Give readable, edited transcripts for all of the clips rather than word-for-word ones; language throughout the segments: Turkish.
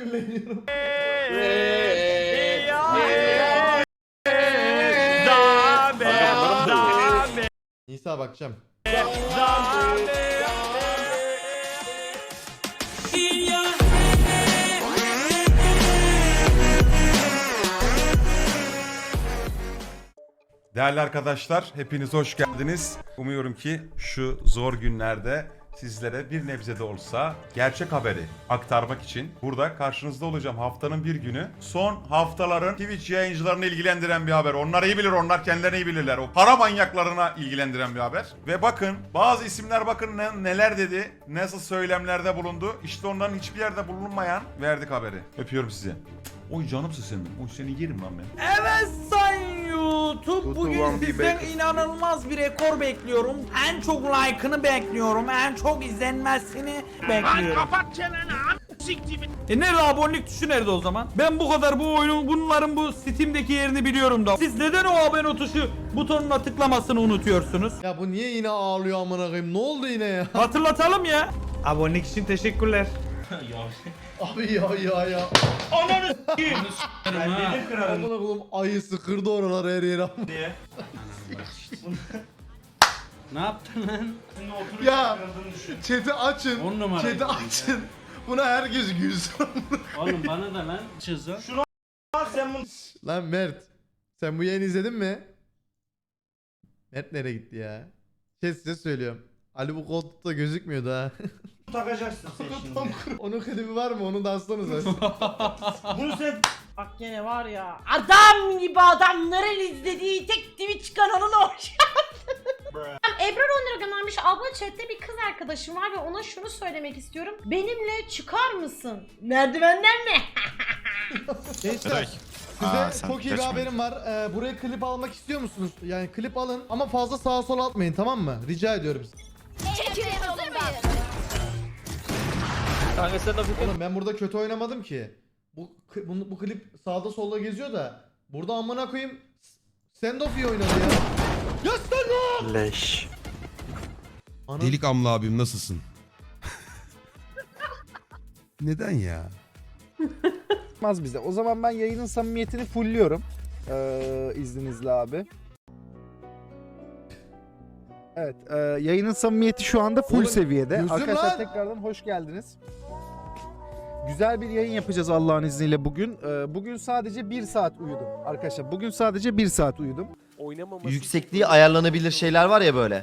sinirleniyorum. Nisa bakacağım. Değerli arkadaşlar, hepiniz hoş geldiniz. Umuyorum ki şu zor günlerde sizlere bir nebze de olsa gerçek haberi aktarmak için burada karşınızda olacağım. Haftanın bir günü. Son haftaların Twitch yayıncılarını ilgilendiren bir haber. Onlar iyi bilir, onlar kendilerini iyi bilirler. O para manyaklarına ilgilendiren bir haber. Ve bakın bazı isimler bakın neler dedi, nasıl söylemlerde bulundu. İşte onların hiçbir yerde bulunmayan verdik haberi. Öpüyorum sizi. Oy canımsın senin. Oy seni yerim lan ben. Evet sayın YouTube, bugün sizden inanılmaz bir rekor bekliyorum. En çok like'ını bekliyorum, en çok izlenmesini bekliyorum. Kapat çeneni siktir. Nerede abonelik tuşu nerede o zaman? Ben bu kadar bu oyunun bunların bu Steam'deki yerini biliyorum da. Siz neden o abone tuşu butonuna tıklamasını unutuyorsunuz? Ya bu niye yine ağlıyor amına koyayım? Ne oldu yine ya? Hatırlatalım ya. Abonelik için teşekkürler. Abi ya. Ananı s**eyim. Amına koyayım ayısı kırdı oraları her yere. Ne yaptın lan? Ya chat'i açın. 10 numara. Chat'i açın. Buna herkes gülsün. Oğlum bana da lan çizim. Sen bunu Lan Mert. Sen bu yayını izledin mi? Mert nereye gitti ya? Size söylüyorum. Ali bu koltukta gözükmüyordu ha. takacaksın sen şimdi. Onun klibi var mı? Onu da atsanıza. Bunu sen Bak gene var ya, adam gibi adamların izlediği tek Twitch kanalına hoş Ebrar 10 lira göndermiş. Abla chatte bir kız arkadaşım var ve ona şunu söylemek istiyorum. Benimle çıkar mısın? Merdivenden mi? Gençler. Size çok iyi bir haberim var. Buraya klip almak istiyor musunuz? Yani klip alın ama fazla sağa sola atmayın, tamam mı? Rica ediyorum. Oğlum ben burada kötü oynamadım ki. Bu klip sağda solda geziyor da burada amına koyayım Sendoff iyi oynadı ya. Ya Sendoff! Leş. Ana- Delik Amla abim nasılsın? Neden ya? Olmaz bize. O zaman ben yayının samimiyetini fullliyorum. İzninizle abi. Evet, yayının samimiyeti şu anda full Oğlum, seviyede. gözüm Arkadaşlar lan! tekrardan hoş geldiniz. Güzel bir yayın yapacağız Allah'ın izniyle bugün. Bugün sadece 1 saat uyudum. Arkadaşlar bugün sadece 1 saat uyudum. Yüksekliği ayarlanabilir şeyler var ya böyle.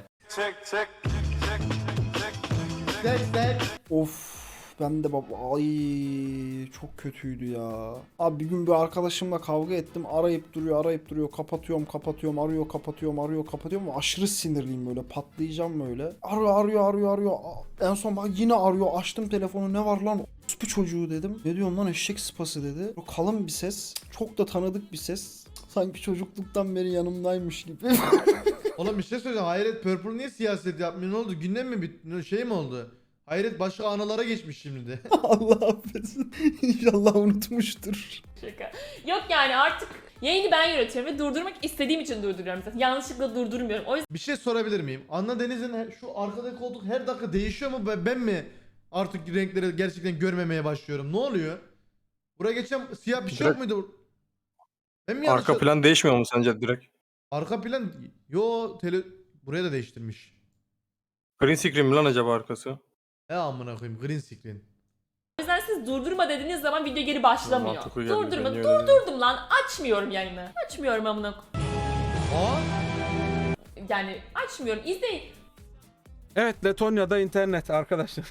Of ben de baba ay çok kötüydü ya. Abi bir gün bir arkadaşımla kavga ettim. Arayıp duruyor. Kapatıyorum. Arıyor. Aşırı sinirliyim böyle. Patlayacağım böyle. Arıyor. En son bak yine arıyor. Açtım telefonu. Ne var lan? Bu çocuğu dedim. Ne diyorsun lan eşek sıpası dedi. Kalın bir ses. Çok da tanıdık bir ses. Sanki çocukluktan beri yanımdaymış gibi. Oğlum bir şey söyleyeceğim. Hayret Purple niye siyaset yapmıyor? Ne oldu? Gündem mi bitti? Şey mi oldu? Hayret başka anılara geçmiş şimdi de. Allah affetsin. İnşallah unutmuştur. Şaka. Yok yani artık yayını ben yönetiyorum ve durdurmak istediğim için durduruyorum zaten. Yanlışlıkla durdurmuyorum. O yüzden Bir şey sorabilir miyim? Anna Deniz'in şu arkadaki koltuk her dakika değişiyor mu? Ben mi artık renkleri gerçekten görmemeye başlıyorum? Ne oluyor? Buraya geçen siyah bir şey yok muydu? Ben mi yanlış... Arka plan değişmiyor mu sence direkt? Arka plan... Yo buraya da değiştirmiş. Green screen mi lan acaba arkası? Amına koyayım green screen. siz durdurma dediğiniz zaman video geri başlamıyor. Mantıklı geldi, Durdurma. ben öyle dedim. Durdurdum lan. Açmıyorum yayını. Açmıyorum amına. Aa? Yani açmıyorum. İzleyin. Evet, Letonya'da internet arkadaşlar.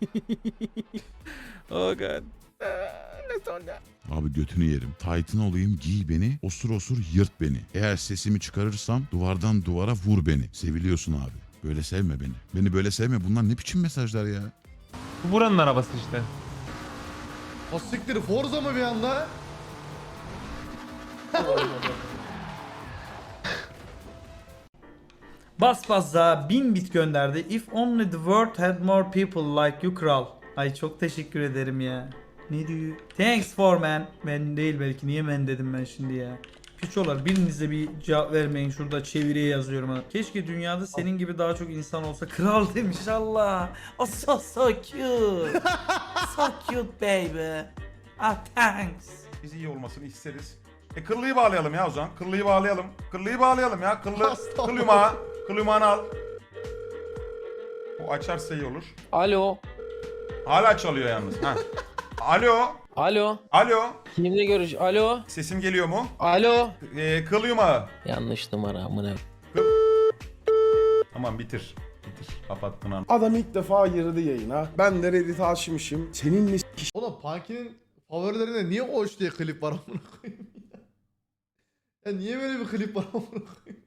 Oh god. Letonya. Abi götünü yerim. Titan olayım, giy beni, osur yırt beni. Eğer sesimi çıkarırsam duvardan duvara vur beni. Seviliyorsun abi. Böyle sevme beni. Beni böyle sevme. Bunlar ne biçim mesajlar ya? Buranın arabası işte. O siktir Forza mı bir anda? Basbazza 1000 bit gönderdi. If only the world had more people like you kral. Ay çok teşekkür ederim ya. Ne diyor? Thanks for man. Ben değil belki. Niye men dedim ben şimdi ya. Piçolar biriniz de bir cevap vermeyin. Şurada çeviriye yazıyorum ha. Keşke dünyada senin gibi daha çok insan olsa. Kral demiş Allah. Oh so cute. So cute baby. Ah thanks. Biz iyi olmasını isteriz. Kıllıyı bağlayalım ya o zaman. Kıllıyı bağlayalım. Kıllıyı bağlayalım ya. Kıl yumağı. Kıl yumağını al. O açarsa iyi olur. Alo. Hala çalıyor yalnız. Ha. Alo. Alo. Alo. Kimle görüş? Alo. Sesim geliyor mu? Alo. Kıl yumağı. Yanlış numara amına. Tamam bitir. Bitir. Kapat bunu. Adam ilk defa girdi yayına. Ben de Reddit aşmışım. Seninle Oğlum Punky'nin favorilerinde niye Oç diye klip var amına koyayım ya? Ya niye böyle bir klip var amına koyayım?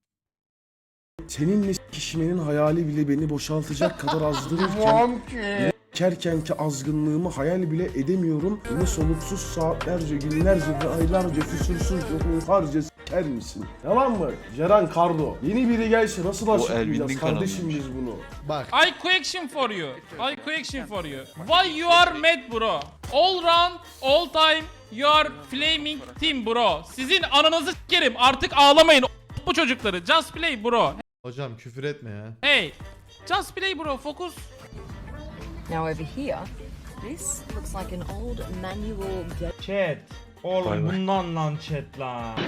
seninle kişimenin hayali bile beni boşaltacak kadar azdırırken kerkenki azgınlığımı hayal bile edemiyorum. Beni soluksuz saatlerce, günlerce ve aylarca küsursuzca hunharca s**er misin? Yalan mı? Ceren Kardo. Yeni biri gelse nasıl açıklayacağız kardeşim biz bunu? Bak. I question for you. I question for you. Why you are mad bro? All round, all time you are flaming team bro. Sizin ananızı s**erim. Artık ağlamayın bu çocukları. Just play bro. Hocam küfür etme ya. Hey. Just play bro. Focus. Now over here, this looks like an old manual. Chat. Oğlum bundan lan chat lan.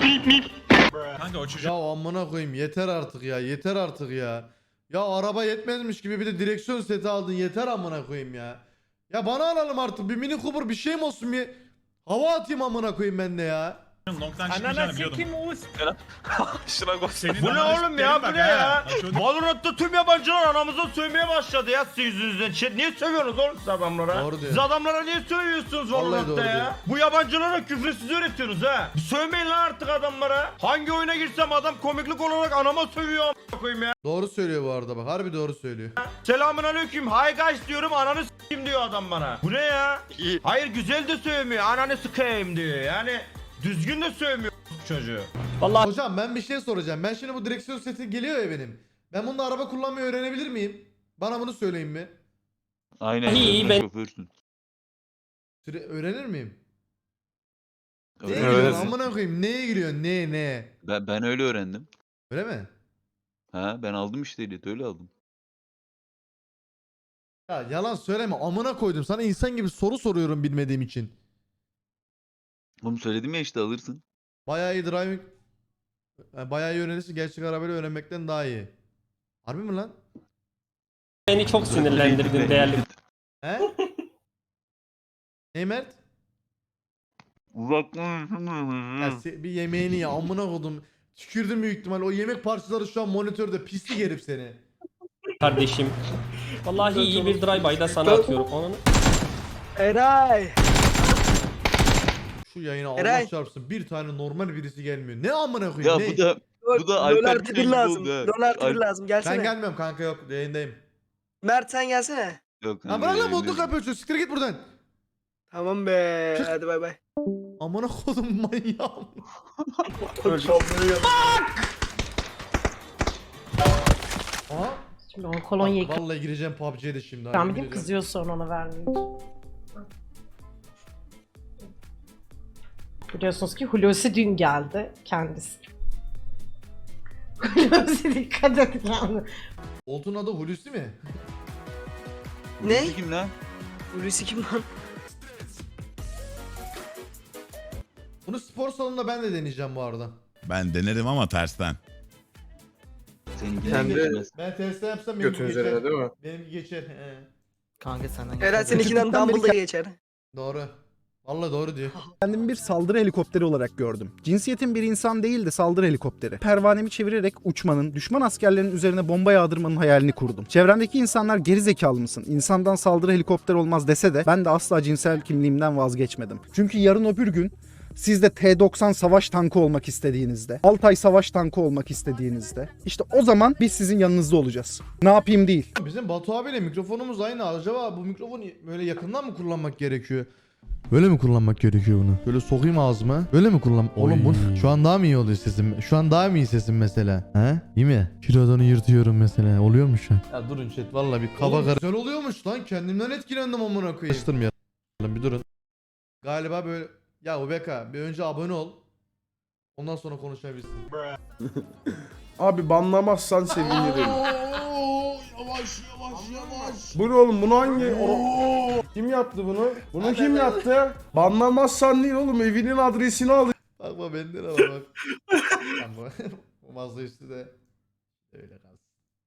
Ya amına koyayım yeter artık ya, yeter artık ya. Ya araba yetmezmiş gibi bir de direksiyon seti aldın, yeter amına koyayım ya. Ya bana alalım artık bir Mini Cooper bir şeyim olsun, bir hava atayım amına koyayım ben de ya. Ananı sikim Uğuz. Bu ne oğlum ya, bu ne ya? Valorant'ta tüm yabancılar anamıza sövmeye başladı ya sizin yüzünüzden. Chat niye sövüyorsunuz oğlum siz adamlara? Doğru diyor. Siz adamlara niye sövüyorsunuz Vallahi Valorant'ta doğru ya? diyor. Bu yabancılara küfrü siz öğretiyorsunuz ha. Sövmeyin lan artık adamlara. Hangi oyuna girsem adam komiklik olarak anama sövüyor a**a koyayım ya. Doğru söylüyor bu arada bak, harbi doğru söylüyor. Selamun aleyküm, hi guys diyorum, ananı s**eyim diyor adam bana. Bu ne ya? Hayır güzel de sövmüyor, ananı s**eyim diyor. Yani düzgün de sövmüyor çocuğu. Hocam ben bir şey soracağım. Ben şimdi bu direksiyon seti geliyor ya benim. Ben bunda araba kullanmayı öğrenebilir miyim? Bana bunu söyleyin mi? Aynen. İyi ben. Öğrenir miyim? Neye Öğrenirsin. giriyorsun amına koyayım? Neye giriyorsun? Ne? Ben öyle öğrendim. Öyle mi? Ha ben aldım işte ehliyeti öyle aldım. Ya yalan söyleme amına koydum. Sana insan gibi soru soruyorum bilmediğim için. Oğlum söyledim ya işte alırsın. Bayağı iyi driving. Yani bayağı iyi öğrenirsin. Gerçek arabayla öğrenmekten daha iyi. Harbi mi lan? Beni çok sinirlendirdin değerli. He? Ne Mert? Ya bir yemeğini ya amına koydum. Tükürdüm büyük ihtimal. O yemek parçaları şu an monitörde, pislik herif seni. Kardeşim. Vallahi iyi bir drive-by'da sana atıyorum onu. Eray! Şu yayına Allah Eray. çarpsın bir tane normal birisi gelmiyor. Ne amına koyayım? Ne? bu da Alper Tüfekli lazım. oldu ha. Dolar lazım. Ben Gelsene. gelmiyorum kanka, yok yayındayım. Mert sen gelsene. Yok, Ha bırak lan modluk yapıyorsun. Siktir git buradan. Tamam be. Çık. Hadi bay bay. Amına kodum manyağım. Aha. Şimdi o kolonyayı Vallahi gireceğim PUBG'ye de şimdi. ben Hadi gidip gireceğim. kızıyor sonra ona vermeyince. Biliyorsunuz ki Hulusi dün geldi kendisi. Hulusi dikkat et yani. Oltun adı Hulusi mi? Ne? Kim lan? Hulusi kim lan? Bunu spor salonunda ben de deneyeceğim bu arada. Ben denerim ama tersten. Senin Ben testte yapsam benimki geçer. Değil mi? Benimki geçer. He. Kanka senden Eray seninkinden Dumbledore geçer. Doğru. Vallahi doğru diyor. Kendimi bir saldırı helikopteri olarak gördüm. Cinsiyetim bir insan değil de saldırı helikopteri. Pervanemi çevirerek uçmanın, düşman askerlerin üzerine bomba yağdırmanın hayalini kurdum. Çevremdeki insanlar geri zekalı mısın? İnsandan saldırı helikopter olmaz dese de ben de asla cinsel kimliğimden vazgeçmedim. Çünkü yarın öbür gün siz de T-90 savaş tankı olmak istediğinizde, Altay savaş tankı olmak istediğinizde, işte o zaman biz sizin yanınızda olacağız. Ne yapayım değil. Bizim Batu abiyle mikrofonumuz aynı. Acaba bu mikrofonu böyle yakından mı kullanmak gerekiyor? Böyle mi kullanmak gerekiyor bunu? Böyle sokayım ağzıma. Böyle mi kullan? Oğlum bu şu an daha mı iyi oluyor sesim? Şu an daha mı iyi sesim mesela? He? İyi mi? Kilodonu yırtıyorum mesela. Oluyor mu şu an? Ya durun chat vallahi bir kaba karı. Güzel oluyormuş lan. Kendimden etkilendim amına koyayım. Açtırmayalım. Bir durun. Galiba böyle ya Ubeka bir önce abone ol. Ondan sonra konuşabilirsin. Abi banlamazsan sevinirim. Bu ne oğlum? Bunu hangi? Kim yaptı bunu? Bunu kim yaptı? Banlamazsan değil oğlum. Evinin adresini al. Bakma benden al bak. Ama bu masa üstü de öyle kalsın.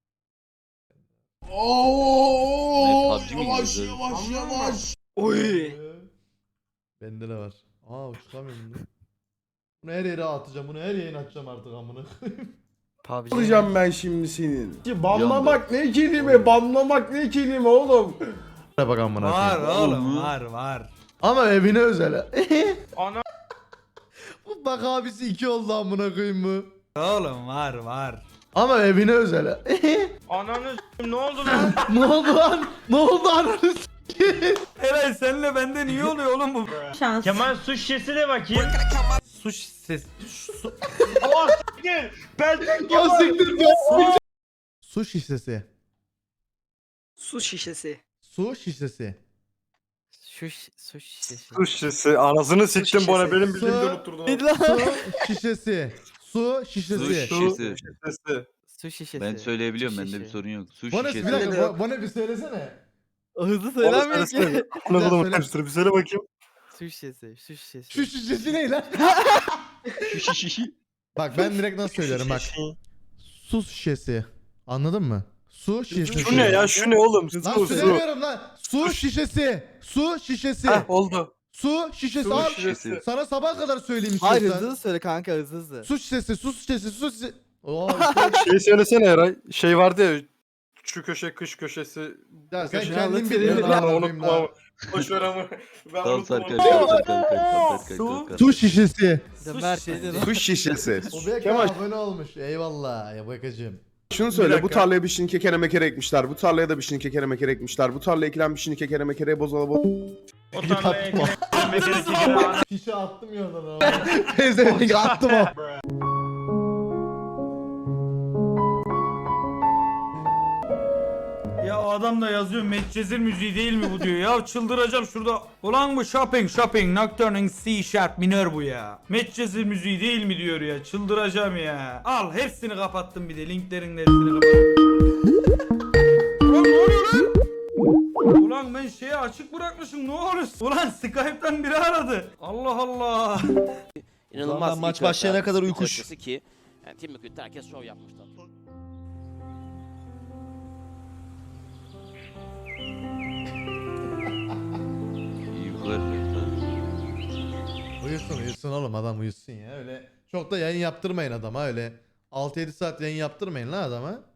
Oy. Bende de var. Aa uçuramıyorum bunu. Bunu her yere atacağım. Bunu her yayın atacağım artık amına. Alacağım ben şimdi senin. Banlamak ne kelime? Banlamak ne kelime oğlum? Bak amına. Var oğlum var. Ama evine özel. Ana Bu bak abisi 2 oldu amına koyayım mı? Oğlum var. Ama evine özel. ananı s**eyim, ne oldu lan? Ne oldu lan? Ne oldu ananı Eray senle benden iyi oluyor oğlum bu. Şans. Kemal su şişesi de bakayım. Su ses. Oh s**eyim. Ben de Ya siktir be. Su şişesi. Su şişesi. Su şişesi. Su şişesi. Su şişesi. Anasını siktim şişesi. bana. Benim Su- bildiğimde unutturdun. Su şişesi. Su şişesi. Şişesi. Su şişesi. Ben söyleyebiliyorum, bende bir sorun yok. Su Bana bir şişesi. dakika bana bir söylesene. Hızlı söylemiyor ki. Söyle. Bir söyle bakayım. Su şişesi. Su şişesi. Şu şişesi ne lan? Bak ben direkt nasıl söylüyorum bak. Su şişesi. Anladın mı? Su şişesi. Şu ne ya? Şu ne oğlum? Lan Su. söylemiyorum lan. Su şişesi. Su şişesi. Oldu. Su şişesi. Su Al. şişesi. Sana sabah kadar söyleyeyim Hayır istiyorsan. hızlı söyle kanka hızlı. Su şişesi, su şişesi, su şişesi. Oo, Şey söylesene Eray. Şey vardı ya. Şu köşe kış köşesi. ya sen Köşe kendin anlatıyor biliyorsun ya. amına Unutma koyayım ama. Boşver ama. Ben Tamam unuttum. Serkan, kalk. Su şişesi. Mer şeyde Su şişesi. O bir Kemal. abone olmuş. Eyvallah ya bakacığım. Şunu söyle, bu tarlaya bir şinin kekere mekere ekmişler. Bu tarlaya da bir şinin kekere mekere ekmişler. Bu tarlaya ekilen bir şinin kekere mekereye bozala O tarlaya ekmek Fişe attım ya oradan abi. Teyze attım o. Ya o adam da yazıyor Medcezir müziği değil mi bu diyor ya çıldıracağım şurada. Ulan bu shopping Nocturne C sharp minör bu ya. Medcezir müziği değil mi diyor ya çıldıracağım ya. Al hepsini kapattım bir de linklerin hepsini kapattım. Ulan ne oluyor lan? Ulan ben şeyi açık bırakmışım ne oluyor? Ulan Skype'tan biri aradı. Allah Allah. İnanılmaz. Maç başlayana kadar uykuş. Ki yani Tim McGuire'de herkes şov yapmışlar. İyi bu kadar. Uyusun oğlum adam uyusun ya öyle. Çok da yayın yaptırmayın adama öyle. 6-7 saat yayın yaptırmayın lan adama.